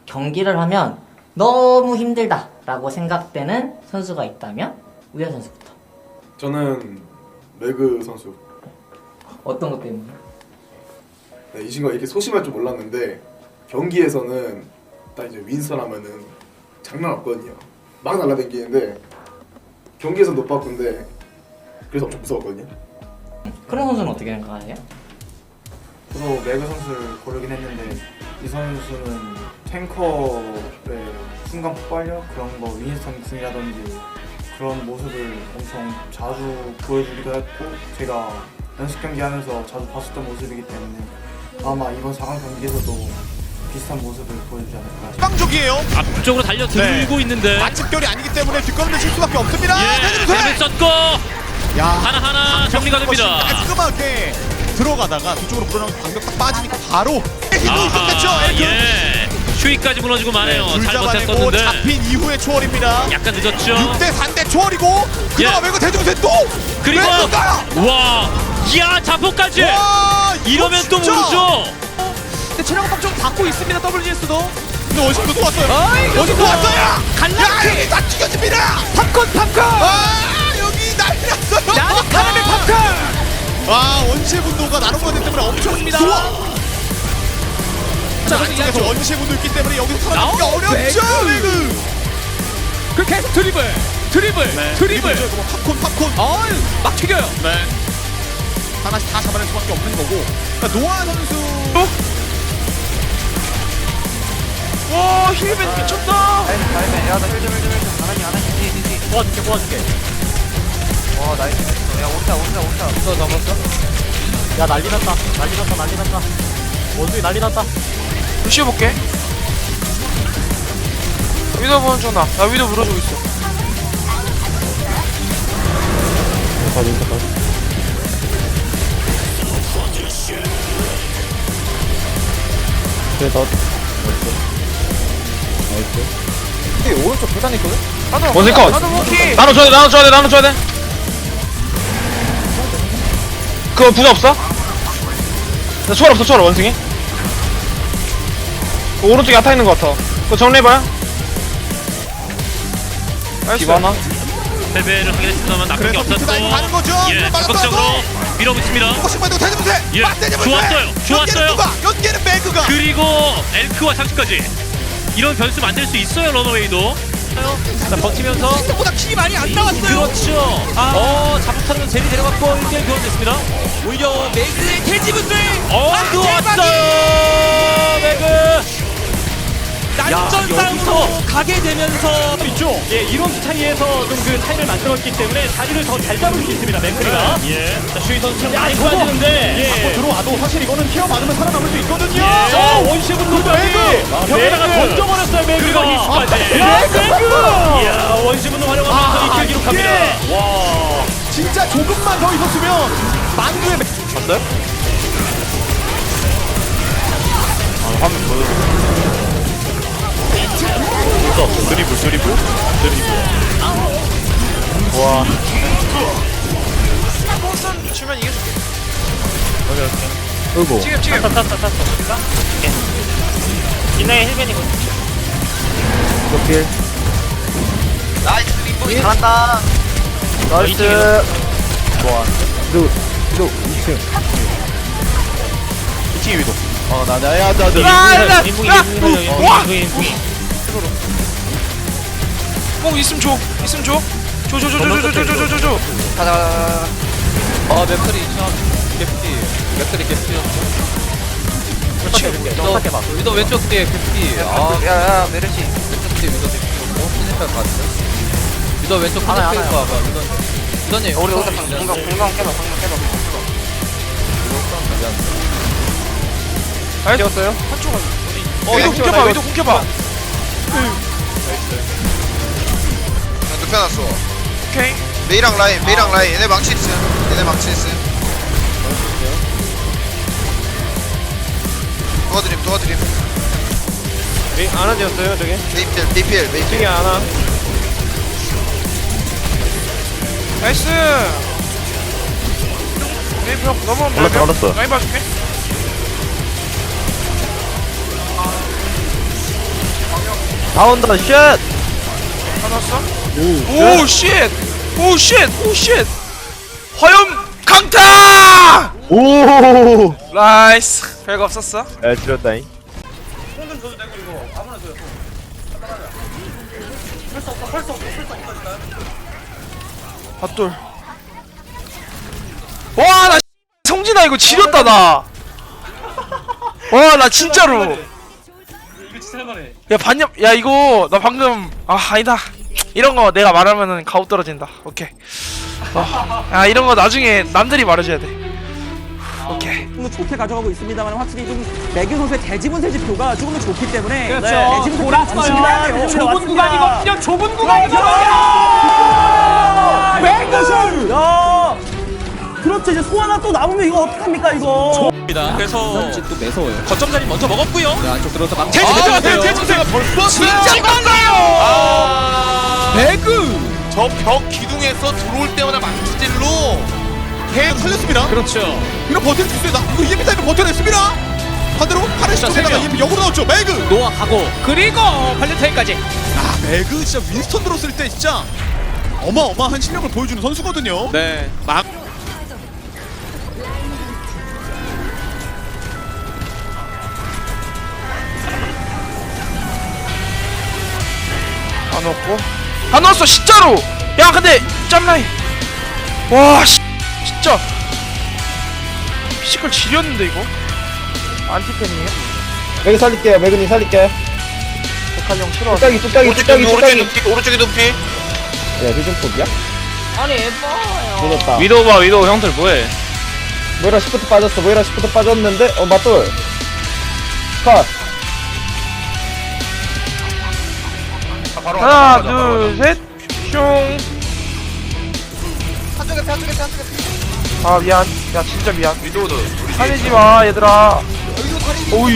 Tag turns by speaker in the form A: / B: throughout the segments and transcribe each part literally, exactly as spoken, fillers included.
A: 경기를 하면 너무 힘들다 라고 생각되는 선수가 있다면 우현 선수부터.
B: 저는 매그 선수.
A: 어떤 것 때문에?
B: 네, 이 친구가 이렇게 소심할 줄 몰랐는데 경기에서는 딱 이제 윈스턴 하면은 장난 없거든요. 막 날라다니는데 경기에서 못 바꾼데 그래서 엄청 무서웠거든요.
A: 그런 선수는 어떻게 생각하세요?
C: 저도 매그 선수를 고르긴 했는데 이 선수는 탱커의 순간 폭발력 그런 거 윈스턴 궁이라든지 그런 모습을 엄청 자주 보여주기도 했고 제가 연습 경기 하면서 자주 봤었던 모습이기 때문에 아마 이번 사 강 경기에서도 비슷한 모습을 보여주지 않을까.
D: 빵족이에요.
E: 앞쪽으로 달려들고
D: 네.
E: 있는데
D: 마침결이 아니기 때문에 뒷걸음을 칠 수밖에 없습니다.
E: 예, 뱀을 썼고
D: 야,
E: 하나하나 정리가 됩니다.
D: 깔끔하게 들어가다가 뒤쪽으로 불어나온 방벽 딱 빠지니까 바로 힘을 끝냈죠.
E: 예, 슈이까지 무너지고 마네요.
D: 둘
E: 잘
D: 잡아내고
E: 버텼었는데
D: 잡힌 이후의 초월입니다.
E: 약간 늦었죠.
D: 육 대 삼 대 초월이고 그나마
E: 예.
D: 매그 대중세 또
E: 그리고
D: 매그가
E: 와, 이야 자포까지.
D: 와,
E: 이러면 또
D: 진짜.
E: 모르죠.
F: 근데 체력 압박 좀 받고 있습니다. 더블유에스도.
D: 근데 원심도 또 왔어요.
F: 아이,
D: 원심 또 왔어요.
F: 갈라치.
D: 야, 여기 다 죽여집니다.
F: 팝콘 팝콘.
D: 아, 여기 난리 났어요.
F: 나는 카라멜 팝콘.
D: 아, 원시의 분노가 나눔 거기 때문에 엄청입니다.
F: 자,
D: 안쪽에서
F: 그래서
D: 원시의 분도 있기 때문에 여기서 살아남기가
F: 나오,
D: 어렵죠.
F: 매그.
D: 매그.
F: 그 계속 드리블, 드리블,
D: 네,
F: 드리블.
D: 드리블. 뭐 팝콘 팝콘.
F: 어이, 막 튀겨요.
D: 네. 하나씩 다 잡아낼 수밖에 없는 거고. 그러니까 노아 선수.
F: 와, 힐벤 미쳤다.
C: 다음에 야나 힐좀 힐좀 힐좀 하나니 하나니 뒤뒤뒤
F: 도와줄게, 도와줄게.
C: 와 나이스 야 오르다 오르다 오르다
F: 너 잡았어?
A: 야 난리 났다 난리 났다 난리 났다 원숭이 난리 났다.
G: 루시오 볼게. 위도 보는 중 나. 나 위도 물어주고 있어. 원숭이 컷. 나눠 줘야 돼. 나눠 줘야 돼. 나눠 줘야 돼. 그거 부자 없어? 나 초월 없어. 초월 원숭이. 그 오른쪽에 아타 있는 거 같아. 그거 정리해봐요. 디바나.
E: 패배를 하긴 했습니다만 나쁜 게
D: 그래서
E: 없었고
D: 비트다이브 가는 거죠.
E: 예,
D: 이거 말아서
E: 적극적으로 밀어붙입니다.
D: 조금씩만 더 대주세요.
E: 예, 좋았어요. 좋았어요.
D: 누가? 연계는 매그가.
E: 그리고 엘크와 상추까지 이런 변수 만들 수 있어요. 러너웨이도. 자, 버티면서
F: 생각보다 킬이 많이 안 나왔어요.
E: 그렇죠.
F: 아.
E: 어, 자폭타는 제리 데려갔고 일 대 일 교환됐습니다.
F: 오히려 매그의 대지분들.
E: 어,
F: 아,
E: 들어왔어요. 매그.
F: 난전
E: 야,
F: 싸움으로 가게 되면서
H: 있죠. 예, 이런 차이에서 좀 그 차이를 만들었기 때문에 자리를 더 잘 잡을 수 있습니다. 맥크리가.
E: 예. 자, 슈이 선수
H: 야,
E: 많이
H: 이거
E: 빠지는데.
H: 예. 갖고 들어와도 사실 이거는 케어 받으면 살아남을 수 있거든요.
E: 예.
H: 어, 원시분 누구까지 벽에다가
E: 매그.
H: 던져버렸어요. 매그가
E: 그리고
H: 히스까지.
E: 매그.
H: 야,
E: 이야, 원시분노 활용하면서
H: 아,
E: 이 킬 기록합니다.
H: 이게
E: 와.
H: 진짜 조금만 더 있었으면 만두의 맥...
D: 드리블 드리블 드리블. 와.
G: 몬스턴 주면 이겨줄게.
D: 어이구.
G: 지금 지금.
E: 탔어, 탔어, 탔어. 이나의 힐벤이거든.
D: 오케이.
C: 나이스 림보이 잘한다
E: 나이스.
D: 좋아. 위도 위도 이 층. 이 층에 위도. 어, 나 나야 나 나.
E: 인붕이, 인붕이, 인붕이, 인붕이.
G: 꼭 있으면 줘. 있으면 줘. 줘 줘 줘 줘 줘 줘 줘 줘 줘.
C: 가자 가자
F: 아, 맥크리 참 개피. 맥크리 개피였어.
E: 너
F: 위도 왼쪽 뒤에 개피. 아,
C: 야야 메르시
F: 왼쪽 뒤에 위도 개피였고 스니per 같은데. 위도 왼쪽 하나 하나 봐. 위도님. 위도님.
C: 우리 오다 공강 공강 깨봐 공강 깨봐
G: 나이스.
C: 깨웠어요?
G: 한쪽 어, 위도 궁켜봐. 위도 궁켜봐.
I: 눕혀놨어.
G: 오케이.
I: 메이랑 라인, 메이랑 라인. 얘네 망치 있음. 얘네 망치 있음. 도와드림, 도와드림.
G: 안아 지었어요 저기.
I: 메이필, 메이필, 메이필.
G: 안아. 나이스. 메이 벽 넘어오면
D: 올랐어, 올랐어.
G: 라인 봐줄게.
F: 다 온다 쉣.
G: 하나었어? 오 쉣! 오 쉣! 오 쉣! 화염 강타!
F: 오.
G: 나이스. 별거 없었어?
F: 에 지렸다잉.
G: 핫돌. 와, 나 성진아 이거 지렸다 나. 와, 나 진짜로.
H: 이거 진짜 해봐래.
G: 야 반nhập. 야 이거 나 방금 아 아니다. 이런 거 내가 말하면은 가오 떨어진다. 오케이. 어. 야 이런 거 나중에 남들이 말해줘야 돼. 오케이.
J: 조금 더 좋게 가져가고 있습니다만 확실히 좀 매규 선수의 대지분세 지표가 조금 더 좋기 때문에
H: 그렇죠.
J: 네, 대지분세
H: 돌았어요. 좁은 구간이거든요. 좁은 구간이거든요.
J: 맹구술! 야! 그렇죠. 이제 소 하나 또 남으면 이거 어떡합니까 이거?
H: 그래서
F: 또 매서워요.
H: 거점 자리 먼저 먹었고요.
F: 네, 안쪽 들어서 막.
H: 대지
F: 아,
H: 대지 대지가 벌써
D: 진짜
H: 건가요?
D: 아, 배그 저 벽 기둥에서 들어올 때마다 망치질로 계속 살렸습니다.
H: 그렇죠.
D: 이거 버틸 수 있어요. 나 이거 이엠피 타임을 버텨냈습니다. 반대로 파레시
H: 자,
D: 쪽에다가
H: 세 명.
D: 이엠피 역으로 나왔죠. 매그.
H: 노아 가고 그리고 발렌타인까지.
D: 아 매그 진짜 윈스턴 들었을 때 진짜 어마어마한 실력을 보여주는 선수거든요.
H: 네.
D: 막
G: 다 넣었고. 다 넣었어 진짜로. 야 근데 짬라인. 와 씨, 진짜. 피지컬 지렸는데 이거. 안티팬이에요?
F: 매그 살릴게요. 매그님 살릴게.
G: 백할 형 싫어.
F: 뚝딱이 뚝딱이 뚝딱이 뚝딱이.
I: 오른쪽에 오른쪽에 높이.
F: 야 요즘 폭이야?
A: 아니 예뻐요.
F: 늦었다.
G: 위도우 봐 위도우 형들 뭐해?
F: 모이라 시프트 빠졌어. 모이라 시프트 빠졌는데 어 맞돌. 컷.
G: 하나 둘 셋. 슝.
I: 한쪽에 한쪽에 한쪽에.
G: 아 미안. 야 진짜 미안. 위도우도. 화내지 마 얘들아. 오이.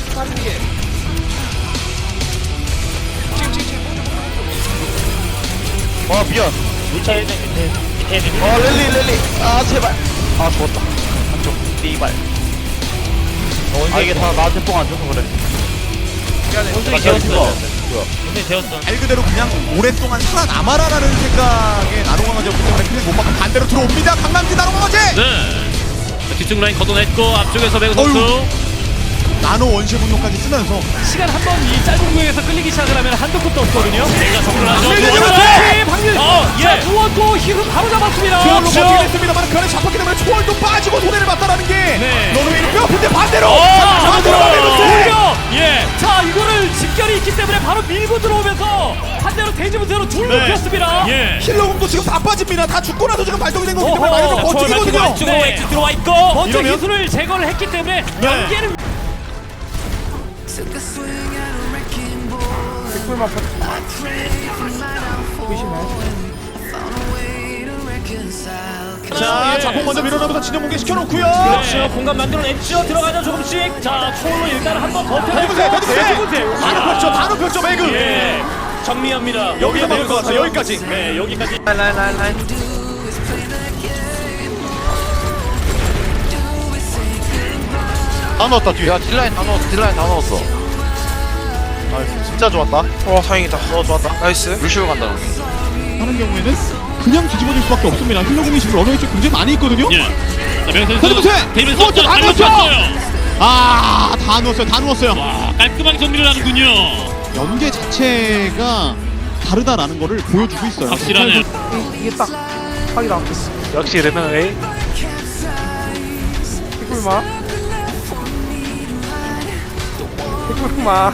F: 아 미안.
H: 루차 일 대 밑에 밑에 밑에.
F: 어 랠리 랠리. 아 제발. 아 죽었다. 한쪽. 리발. 아 이게 다 나한테 뽕 안 줘서 그래.
H: 원숭이 되었어. 원숭이 되었어.
D: 말 그대로 그냥 오랫동안 살아남아라라는 생각에 나노강아지였기 때문에 그냥 못 막고 반대로 들어옵니다. 강남지 나노강아지.
E: 네. 자, 뒤쪽 라인 걷어냈고 앞쪽에서 배구 선수.
D: 나노 원시 분노까지 쓰면서
H: 시간 한 번 이 짧은 구역에서 끌리기 시작을 하면 한도 끝도 없거든요. 내가 정글 하죠.
D: 네, 방금
H: 어,
D: 자,
H: 예. 두원도 히그 바로 잡았습니다.
D: 초월로 버티긴 했습니다만 그 안에 잡혔기 때문에 초월도 빠지고 손해를 봤다라는 게
H: 네.
D: 노르웨이는 뼈아픈데 반대로
H: 어,
D: 자, 반대로 반대로
H: 오히려 예. 자, 이거를 직결이 있기 때문에 바로 밀고 들어오면서 반대로 대지분세로 둘
D: 네.
H: 높였습니다. 예.
D: 힐러공도 지금 다 빠집니다. 다 죽고 나서 지금 발동이 된 거기 때문에 많이 좀 버티거든요.
H: 안쪽으로
D: 네.
H: 엑스 들어와 있고 먼저
D: 이러면?
H: 기술을 제거를 했기 때문에
D: 네.
H: 연계를
D: 자, 자폭 먼저 밀어넣으면서 진영 공개 시켜놓고요.
H: 그렇죠. 공간 만들어냈죠. 들어가죠 조금씩. 자, 초월로 일단 한번 버텨내고
D: 해보세요, 해보세요.
H: 대지분세.
D: 다 높였죠, 다 높였죠, 매그.
H: 예. 정리합니다.
D: 여기서 막을 것 같아요, 여기까지.
H: 네, 여기까지.
G: 라인 라인 라인 라인.
D: 다 넣었다 뒤에.
F: 야 딜라인 다 넣었어. 딜라인 다 넣었어.
D: 아, 진짜 좋았다.
G: 와 다행이다.
D: 어, 좋았다.
G: 나이스.
F: 루시오 간다.
D: 하는 경우에는 그냥 뒤집어질 수밖에 없습니다. 힐러공이 지금 러너웨이 쪽 굉장히 많이 있거든요.
E: 예. 자, 명 선수.
D: 헤드부세!
E: 데이비드
D: 어,
E: 선수
D: 다
E: 잘
D: 넣었어요!
E: 맞췄어요.
D: 아, 다 넣었어요, 다 넣었어요.
E: 와, 깔끔하게 정리를 하는군요.
D: 연계 자체가 다르다라는 거를 보여주고 있어요.
E: 확실하네요.
G: 이게 딱 확이 나왔겠어. 역시 레나웨이. 피굴마. 피굴마.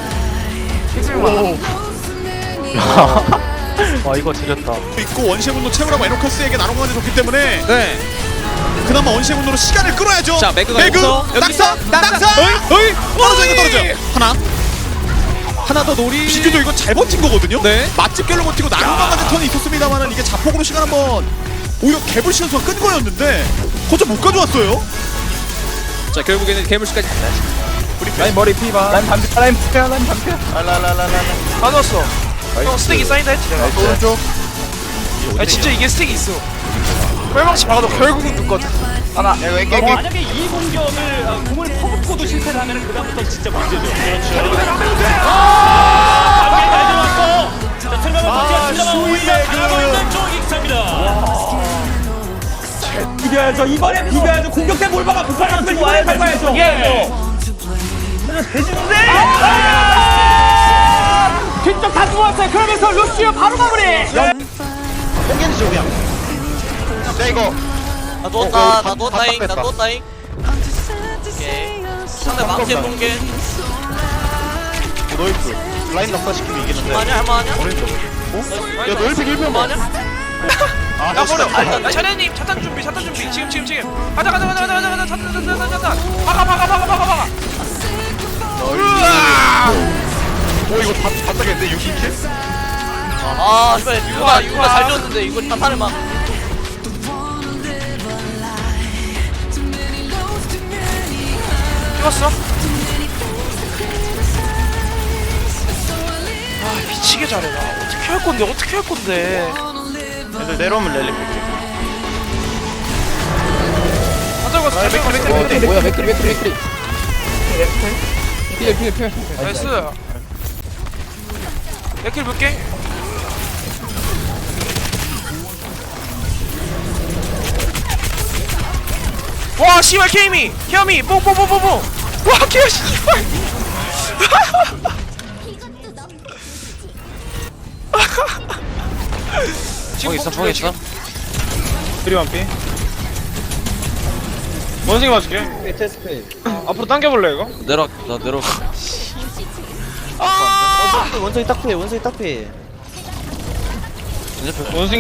G: 피굴마. 와 이거 지렸다.
D: 있고 원시의 분노 채우라고 에노커스에게 나눠가는 좋기 때문에
G: 네.
D: 그나마 원시의 분노로 시간을 끌어야죠.
H: 자, 매그가
D: 매그,
H: 여기서,
D: 낙사, 낙사, 어이, 어이, 떨어져 이거 떨어져. 하나, 하나 더 놀이. 비교도 이거 잘 버틴 거거든요. 네. 맛집 결로 버티고 나눠가는 턴이 있었습니다만은 이게 자폭으로 시간 한번 오히려 개불 시간수가 끈 거였는데 거저 못 가져왔어요.
H: 자, 결국에는 괴물씨까지.
F: 라인 머리 피봐. 라인 반피. 라인 피야. 라인 반피.
G: 다 넣었어. 형 스택이 쌓인다 했지 내가.
F: 오른쪽.
G: 아 진짜 이게 스택이 있어. 뻘망치 박아도 결국은 죽거든.
I: 하나. 야, 왜 깨?
H: 만약에 이 공격을 어, 공을 퍼붓고도 실패를 하면은 그다음부터 진짜 문제죠. 그렇죠.
J: 비벼야죠. 이번에 비벼야죠. 공격대 몰바가 북한을 들고 와야 밟아야죠. 예. 대지는데. 뒤쪽 다 죽었어요. 그러면서 루시오 바로 마무리.
F: 뽕겐지 쪽이야. 야 이거.
I: 나 누웠다 나 누웠다잉 나 누웠다잉. 오케이 상대 망치 본게
F: 노이프 라인 낙사시키면 이기는데.
I: 할만하냐 할만하냐?
F: 오른쪽. 어? 야 노이프 일 편 봐.
I: 할만하냐?
F: 아,
G: 야 버려.
F: 진짜.
G: 야 차례님 차탄 준비 차탄 준비 지금 지금 지금. 가자 가자 가자 가자 가자 차탄 차탄 차탄 차탄. 박아 박아 박아 박아 박아. 으아.
F: 오 이거 다 다짜겠는데 육 킬?
I: 아 씨발 유가 유가 잘 줬는데 이거 자탄을 막
G: 찍었어? 아 미치게 잘해 나. 어떻게 할 건데 어떻게 할 건데.
F: 애들 내려오면 랠리 볼게.
G: 가져가 가져가.
F: 뭐야 맥크리 맥크리 맥크리.
G: 나이스. 맥킬 볼게. 와 씨발 케이미 케이미 뽕뽕뽕뽕뽕. 와 케이 씨발. 지금 있어 뽕 있어.
C: 그리 완피. 원숭이 맞을게. 앞으로 당겨볼래 이거?
I: 내려 나 내려.
F: 원숭이 딱 피해 원숭이 딱 피해.
C: 원숭이